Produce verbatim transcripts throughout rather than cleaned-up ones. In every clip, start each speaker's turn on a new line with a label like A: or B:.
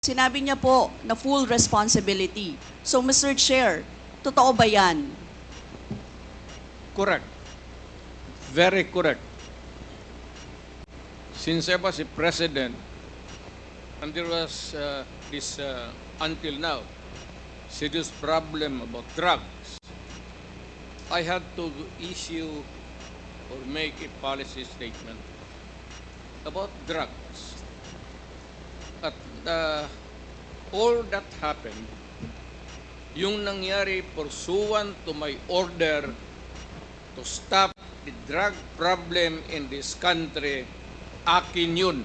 A: Sinabi niya po na full responsibility. So, Mister Chair, totoo ba yan?
B: Correct. Very correct. Since I was a president, and there was uh, this, uh, until now, serious problem about drugs, I had to issue or make a policy statement about drugs. At uh, all that happened, yung nangyari pursuant to my order to stop the drug problem in this country, akin yun.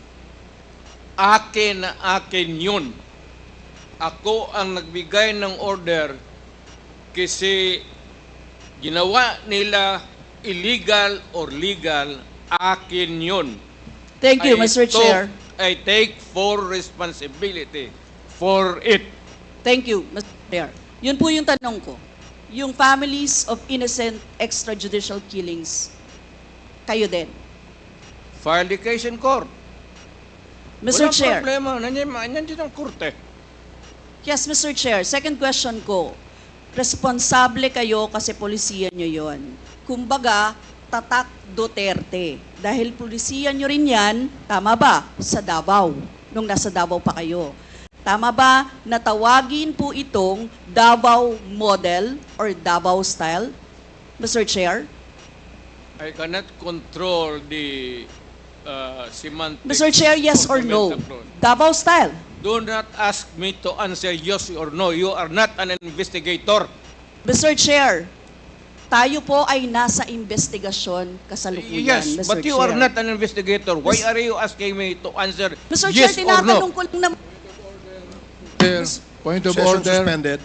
B: Akin na akin yun. Ako ang nagbigay ng order kasi ginawa nila illegal or legal, akin yun.
A: Thank you,
B: I
A: Mister
B: took-
A: Chair.
B: I take full responsibility for it.
A: Thank you, Mister Chair. Yun po yung tanong ko. Yung families of innocent extrajudicial killings, kayo din.
B: File the case in court.
A: Mister
B: Walang
A: Chair.
B: problema. Nandiyan, nandiyan ang korte.
A: Yes, Mister Chair. Second question ko. Responsable kayo kasi polisiya nyo yon. Kumbaga, tatak Duterte. Dahil polisiya nyo rin yan, tama ba? Sa Davao, nung nasa Davao pa kayo. Tama ba na tawagin po itong Davao model or Davao style? Mister Chair?
B: I cannot control the uh, semantics.
A: Mister Chair, yes
B: of
A: or
B: the
A: no?
B: metaphor.
A: Davao style.
B: Do not ask me to answer yes or no. You are not an investigator.
A: Mister Chair, tayo po ay nasa investigasyon kasalukuyan,
B: Yes,
A: Mister
B: but you
A: Chair.
B: are not an investigator. Why
A: Mis-
B: are you asking me to answer
A: Mister
B: yes
A: Chair,
B: or
A: tinatanong
B: no?
A: ko lang naman.
C: Chair, point of
D: Session
C: order.
D: suspended.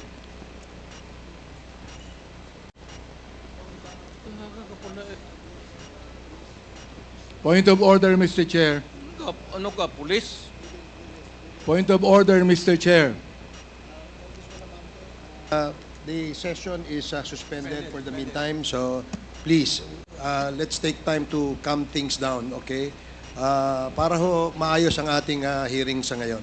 C: Point of order, Mister Chair.
B: Ano ka, ano ka, police?
C: Point of order, Mister Chair.
D: Uh, the session is uh, suspended for the meantime, so please, uh, let's take time to calm things down, okay? Uh, para ho maayos ang ating uh, hearing sa ngayon.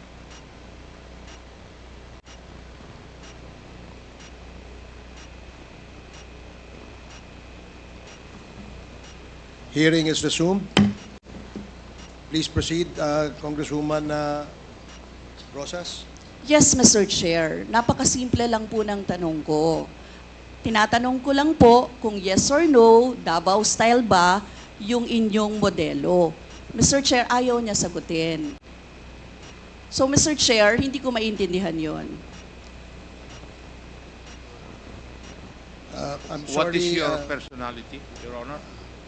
D: Hearing is resumed. Please proceed, uh, Congresswoman uh, Rosas.
A: Yes, Mister Chair. Napakasimple lang po ng tanong ko. Tinatanong ko lang po kung yes or no, Davao style ba yung inyong modelo. Mister Chair, ayaw niya sagutin. So, Mister Chair, hindi ko maintindihan yon.
D: Uh, I'm
E: What
D: sorry,
E: is your
D: uh,
E: personality, Your Honor?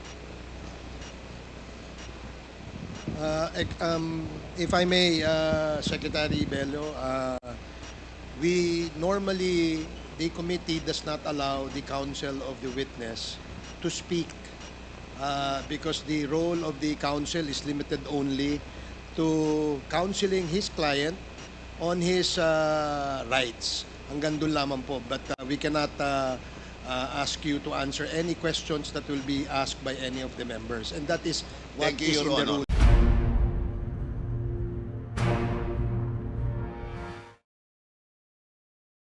D: Uh, ec- um, if I may, uh, Secretary Bello, uh, we normally, the committee does not allow the counsel of the witness to speak uh, because the role of the counsel is limited only to counseling his client on his uh, rights. Hanggang doon lamang po. But uh, we cannot uh, uh, ask you to answer any questions that will be asked by any of the members. And that is what
E: Thank you,
D: is
E: Your
D: in the
E: Honor.
D: rule.